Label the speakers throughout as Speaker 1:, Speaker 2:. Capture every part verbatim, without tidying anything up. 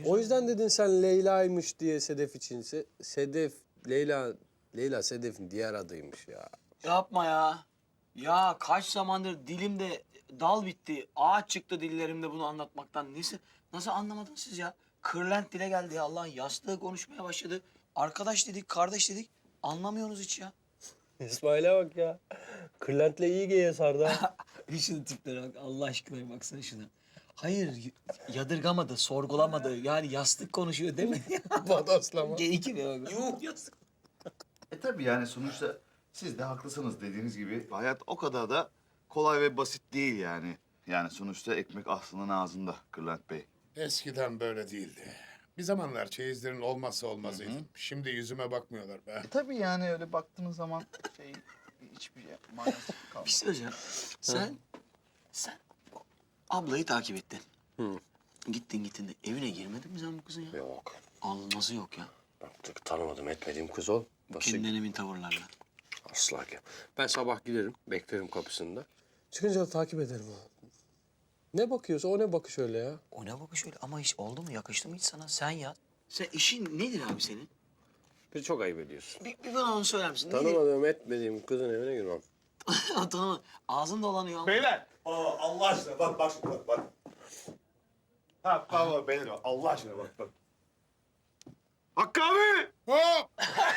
Speaker 1: O yüzden dedin sen Leyla'ymış diye Sedef için. Se Sedef, Leyla, Leyla Sedef'in diğer adıymış ya.
Speaker 2: Yapma ya. Ya kaç zamandır dilimde dal bitti. Ağaç çıktı dillerimde bunu anlatmaktan. Nasıl, nasıl anlamadınız siz ya? Kırlent dile geldi ya. Allah'ın yastığı konuşmaya başladı. Arkadaş dedik, kardeş dedik. Anlamıyorsunuz hiç ya.
Speaker 1: İsmail'e bak ya. Kırlent'le iyi geye sardı ha.
Speaker 2: Bir şunun tiplere bak. Allah aşkına baksana şuna. Hayır, y- yadırgamadı, sorgulamadı. Yani yastık konuşuyor değil mi?
Speaker 1: Bodoslama.
Speaker 2: Geyik gibi bak. Yuh yastık.
Speaker 3: E tabii yani sonuçta siz de haklısınız dediğiniz gibi. Hayat o kadar da kolay ve basit değil yani. Yani sonuçta ekmek aslının ağzında Kırlent Bey.
Speaker 4: Eskiden böyle değildi. Bir zamanlar çeyizlerin olmazsa olmazıydım. Şimdi yüzüme bakmıyorlar be.
Speaker 3: E tabii yani öyle baktığınız zaman şey hiçbir şey manası
Speaker 2: Bir
Speaker 3: kalmaz.
Speaker 2: şey söyleyeceğim. Sen, sen o ablayı takip ettin.
Speaker 1: Hı.
Speaker 2: Gittin gittin de evine girmedin mi sen bu kızın ya?
Speaker 1: Yok.
Speaker 2: Allah nasıl yok ya?
Speaker 1: Artık tanımadım etmediğim kız ol. Başı
Speaker 2: Kendinden emin tavırlarla.
Speaker 1: asla ki. Ben sabah giderim, beklerim kapısında. Çıkınca da takip ederim onu. Ne bakıyorsa o ne bakış öyle ya.
Speaker 2: O ne bakış öyle ama hiç oldu mu yakıştı mı hiç sana? Sen ya. Sen işin nedir abi senin?
Speaker 1: Bir çok ayıp ediyorsun.
Speaker 2: Bir, bir bana onu söyler misin? Nedir?
Speaker 1: Tanımadığım etmediğim kızın evine girmem.
Speaker 2: Tanımadım. Ağzın dolanıyor ama.
Speaker 5: Beyler. Aa, Allah aşkına bak bak bak bak. Ha pardon benim Allah aşkına bak bak. Hakkı abi!
Speaker 4: Hop!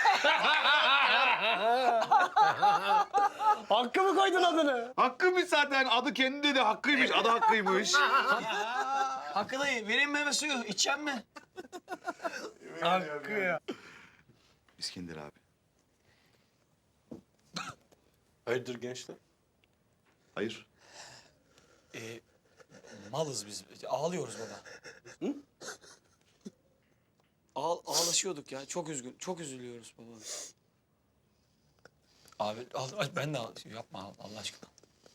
Speaker 1: Hakkı mı koydun adını?
Speaker 3: Hakkıymış zaten. Adı kendi dedi. Hakkıymış. Adı Hakkıymış.
Speaker 2: Hakkı dayı vereyim meyve suyu. İçecek mi?
Speaker 1: Hakkı ya.
Speaker 3: İskender abi.
Speaker 1: Hayırdır gençler?
Speaker 3: Hayır.
Speaker 2: Ee, malız biz. Ağlıyoruz baba. Hı? Ağ, ağlaşıyorduk ya. Çok üzgün. Çok üzülüyoruz baba. Abi al, al, ben de al. Yapma Allah aşkına.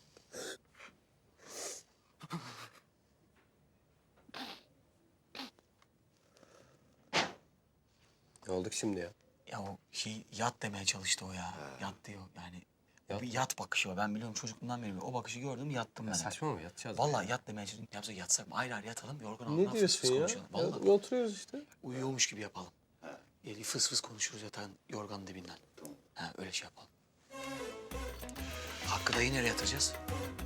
Speaker 1: Ne olduk şimdi ya?
Speaker 2: Ya o şey yat demeye çalıştı o ya. Yat diyor yani. O bir yat bakışı o. Ben biliyorum çocukluğumdan beri o bakışı gördüm yattım ben.
Speaker 1: Saçma mı yatacağız?
Speaker 2: Vallahi yat demeye çalıştım. Yapsak yatsak mı? Ayrı ayrı yatalım. Yorgan altına
Speaker 1: Ne
Speaker 2: fıs
Speaker 1: diyorsun
Speaker 2: fıs
Speaker 1: ya?
Speaker 2: konuşalım. Vallahi.
Speaker 1: ya? Oturuyoruz işte.
Speaker 2: Uyuyormuş gibi yapalım. Yani fıs fıs konuşuruz yatağın yorganın dibinden. Ha öyle şey yapalım. Hakkı dayı nereye yatacağız?